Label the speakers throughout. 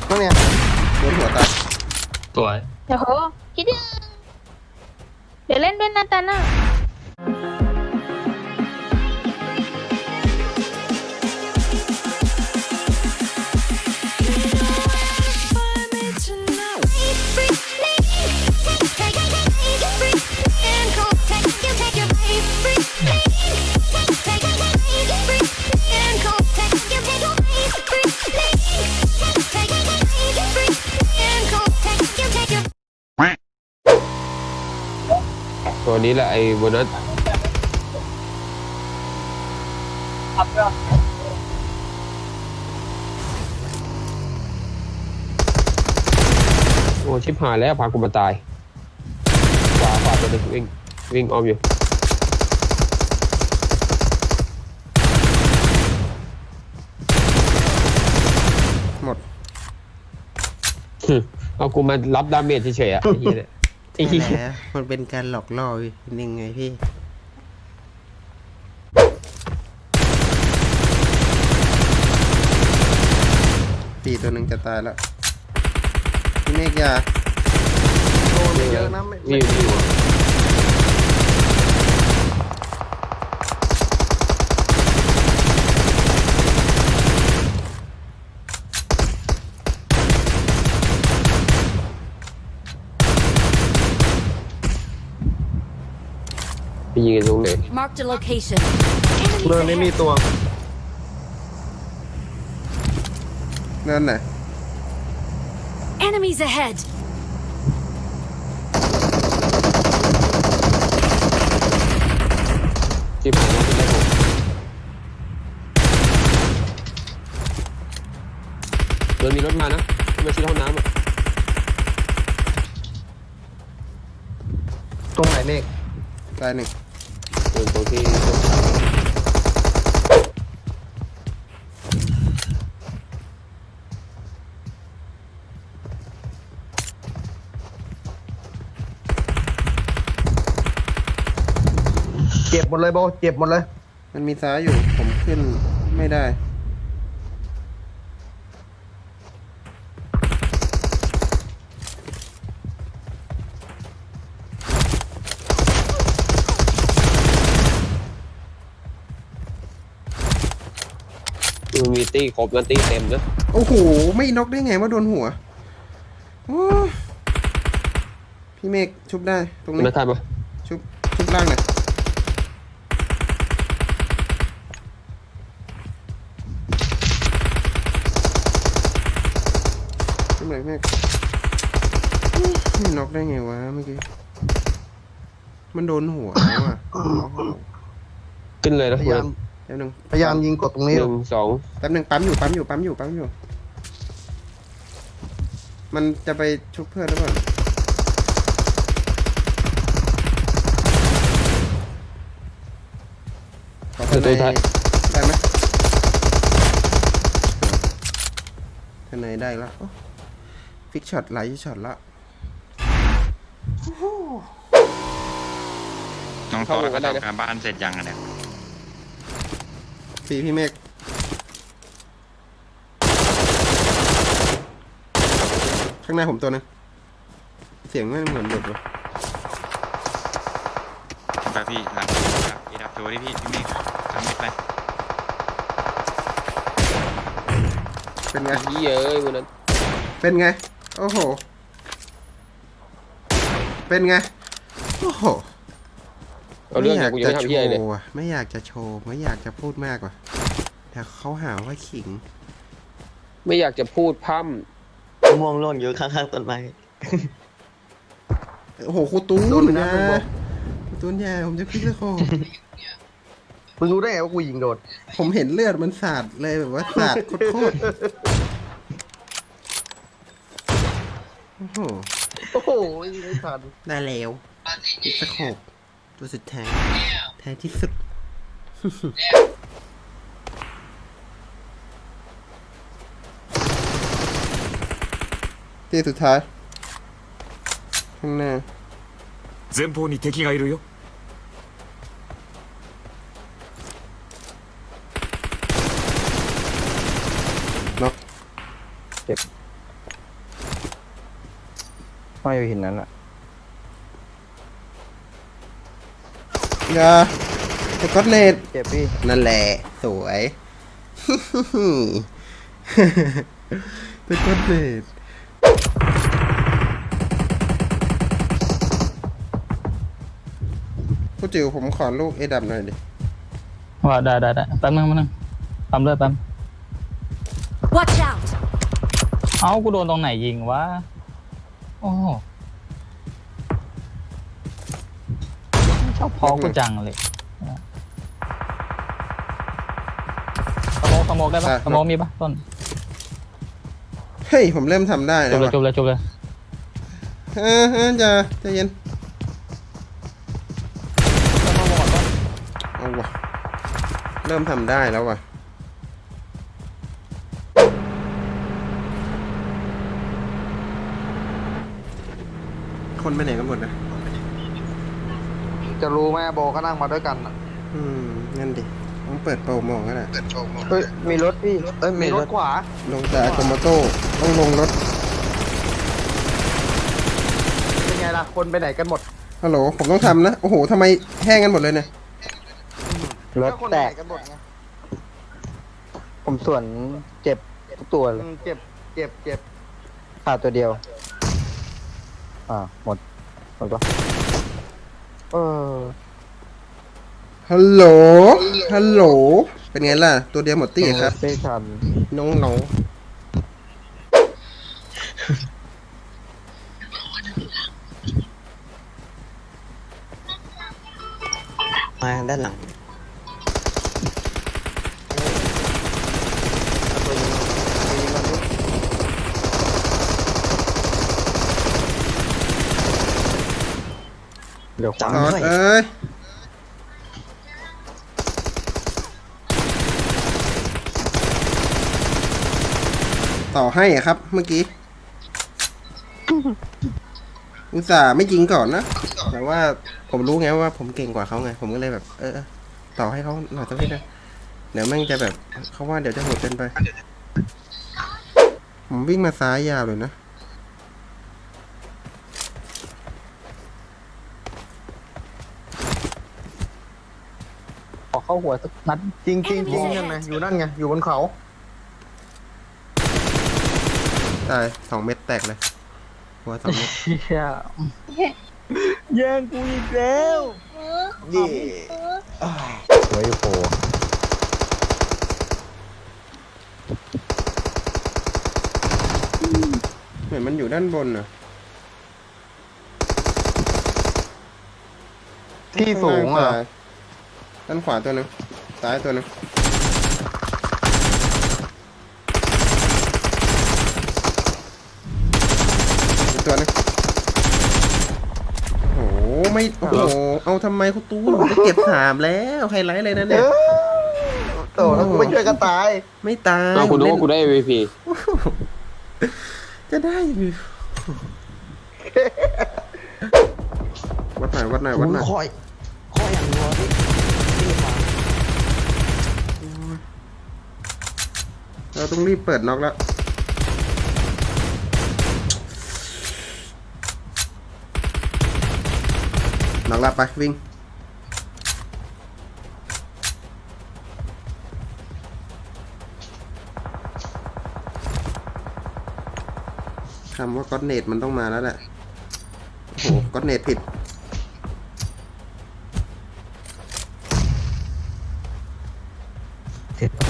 Speaker 1: นั่นไงโดนหัวตาย
Speaker 2: สวย
Speaker 3: เดี๋ยวโหคิดยังเดี๋ยวเล่นด้วยนะตาน่ะ
Speaker 4: ตัวนี้แหละไอ้โบนัสโอ้ชิบหายแล้วพากูมาตายขวาตัวนึงวิ่งอ้อมอยู่
Speaker 1: หมด
Speaker 4: เอากูมารับดาเมจเฉยๆอ่ะไอ้เหี้ยเนี่ยไอ้เหี้ย
Speaker 1: ใช่แล้วมันเป็นการหลอกล่อนึงไงพี่ปีตัวหนึ่งจะตายแล้วพี่เมฆยาโดนเยอะนะไม่
Speaker 4: วิ่งอยู่ไปยิงกันตรงไหน
Speaker 5: Marked a location.
Speaker 1: เรื่องนี้มีตัวนั่นไหน
Speaker 5: Enemies ahead.
Speaker 4: ที่ผ่านมาเป็นไรผมเดินมีรถมานะไม่ใช่ห้องน้ำอ่ะ
Speaker 1: ตรงไหนเมฆตายหนึ่ง
Speaker 4: เดินตรงที่
Speaker 6: เจ็บหมดเลยโบเจ็บหมดเลย
Speaker 1: มันมีซ้ายอยู่ผมขึ้นไม่ได้
Speaker 4: มันมีตี้ครบนะตี้เต็มนะ
Speaker 1: โอ้โหไม่น็อกได้ไงว่าโดนหัวโอ้พี่เมฆชุบได้ตรงนี้
Speaker 4: ไม่ทันปะ
Speaker 1: ชุบล่างหน่อยชุบหน่อยเมฆไม่น็อกได้ไงวะเมื่อกี้มันโดนหัวแล้วอ่ะ
Speaker 4: ขึ้นเลยนะ
Speaker 6: พยายาม
Speaker 1: แป๊บนึง
Speaker 6: พยายามยิงกดตรงนี้
Speaker 4: หนึ่งสอง
Speaker 1: แป๊บนึงปั๊มอยู่มันจะไปชุบเพื่อนหรือเปล่าขอทนายได้ไหมทนายได้แล้วฟิกช็อตหลายช็อตละ
Speaker 7: น้องโตแล้วก็ทำการบ้านเสร็จยังอะเนี่ย
Speaker 1: พี่เมฆข้างหน้าผมตัวนึงเสียงไม่เหมือนหลุดเลย
Speaker 7: ไปพี่หลังพี่ดับตัวดิพี่เมฆทำไม่ไป
Speaker 1: เป็นไง
Speaker 4: ยี่เอ้ยวันนั้น
Speaker 1: เป็นไงโอ้โหเป็นไงโอ้โห
Speaker 4: เอาเรื่องอย่างกูยังไม่ทำเหี้ยเลย
Speaker 1: ไม่อยากจะโชว์ไม่อยากจะพูดมากว่ะแต่เขาหาว่าขิง
Speaker 4: ไม่อยากจะพูดพร่
Speaker 8: ม่วงร่วงอยู่ข้างๆต้นไม้
Speaker 1: โอ้โหครูตูน
Speaker 6: โดนไปนะ
Speaker 1: ครูตูนแย่ผมจะพลิกแล้วโค
Speaker 6: มึงรู้ได้ไงว่ากูยิงโดน
Speaker 1: ผมเห็นเลือดมันสาดเลยแบบว่าสาดโคตรโอ้โห
Speaker 6: โอ้โหยิงไม่ทัน
Speaker 1: ได้แล้วอีกสักหกตัวสุดท้ายแท้ที่สุด ที่สุดท้ายข้างหน้า
Speaker 9: 前方に敵がいるよ
Speaker 1: น็อก
Speaker 4: ำเจ็บ
Speaker 2: ห้อยอยู่หินนั้นอ่ะ
Speaker 1: อย่าสกอตเนต
Speaker 2: เจ็บพี่
Speaker 1: นั่นแหละ สวย สกอตเนตผู้จิ๋วผมขอลูกเอดับหน่อยดิ
Speaker 5: ว่าได้แป๊บนึงปั๊มเลยแป๊บ
Speaker 10: Watch out!
Speaker 5: เอ้ากูโดนตรงไหนยิงวะโอ้โหชอบพอกูจังเลยสโมกได้ปะ
Speaker 1: อ่ะ
Speaker 5: สโมกมีปะต้น
Speaker 1: เฮ้ย ผมเริ่มทำได้
Speaker 5: จ
Speaker 1: แล้
Speaker 5: บ
Speaker 1: ว
Speaker 5: เลย
Speaker 1: ว่ะ
Speaker 5: จบเลยจบเลย
Speaker 1: ใจเย็น เอาว่ะ เริ่มทำได้แล้วว่ะ คนไปไหนกันหมดนะ
Speaker 6: จะรู้ไหมโบก็นั่งมาด้วยกันน่ะ
Speaker 1: นั่นดิ ต้องเปิดโปรโมงกันแหละ
Speaker 2: เฮ้ยมีรถพี่
Speaker 6: เอ้ยมีรถขวา
Speaker 1: ลงจากโคมาโต้ต้องลงรถ
Speaker 6: เป็นไงล่ะ คนไปไหนกันหมด
Speaker 1: ฮัลโหล ผมต้องทำนะ โอ้โห ทำไมแห้งกันหมดเลยเนี่ย
Speaker 2: รถ
Speaker 6: ก็คน
Speaker 2: แต
Speaker 6: ไปไห
Speaker 2: ก
Speaker 6: นกันหมดไง
Speaker 2: ผมส่วนเจ็บทุกตัวเลย
Speaker 6: เจ็บ
Speaker 2: ขาดตัวเดียวหมดปะเออ
Speaker 1: ฮัลโหล ฮัลโหล เป็นไงล่ะ ตัวเดียวหมดตี้ครับ
Speaker 2: ไม่ทัน
Speaker 1: น้องน้อง
Speaker 8: มาด้านหลัง
Speaker 2: เดี๋ยว
Speaker 1: จอ
Speaker 8: จำ
Speaker 1: ด
Speaker 8: ด้วย
Speaker 1: เอ้ย ต่อให้อะครับ เมื่อกี้ อุตส่าห์ไม่ยิงก่อนนะ แต่ว่าผมรู้ไงว่าผมเก่งกว่าเขาไง ผมก็เลยแบบ ต่อให้เขาหน่อยสักนิดนะ เดี๋ยวแม่งจะแบบเขาว่าเดี๋ยวจะโหดเกินไป ผมวิ่งมาซ้ายยาวเลยนะ
Speaker 5: ขอเข้าหัวสักนัด
Speaker 6: จริงนั่นไงอยู่นั่นไง อยู่บนเขา
Speaker 1: ตาย2 เม็ดแตกเลย หัว2 เม็ด
Speaker 5: เชี่ย
Speaker 2: แย่งกูอีกแล้วนี่ไว้โผล่
Speaker 1: เหมือนมันอยู่ด้านบนน่ะ
Speaker 6: ที่สูงเหรอ
Speaker 1: ด้านขวาตัวหนึงซ้ายตัวหนึงอีกตัวหนึงโอ้โห ไม่ โอ้โห เอาทำไมคุณตู้ผมได้เก็บ3แล้วไฮไลท์เลยนะเนี่ย
Speaker 6: โตแล้วกูไม่ช่วยกันตาย
Speaker 1: ไม่ตาย
Speaker 4: เอาคุณรู้
Speaker 1: เล่
Speaker 4: ว่ากูได้ MVP
Speaker 1: จะได้อยู่วัดหน่อยวัดหน่อยวัดหน่อย
Speaker 8: คอยอย่างรัวที่ขวา
Speaker 1: เราต้องรีบเปิดน็อกแล้ว น็อกแล้วไปวิ่ง คำว่าก็อดเนตมันต้องมาแล้วแหละ โอ้โหก็อดเนตผิด
Speaker 8: เสร็จ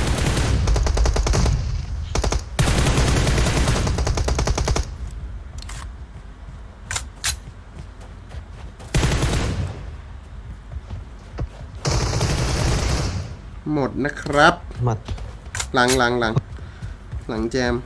Speaker 1: หมดนะครับ
Speaker 8: หมด
Speaker 1: หลังแจม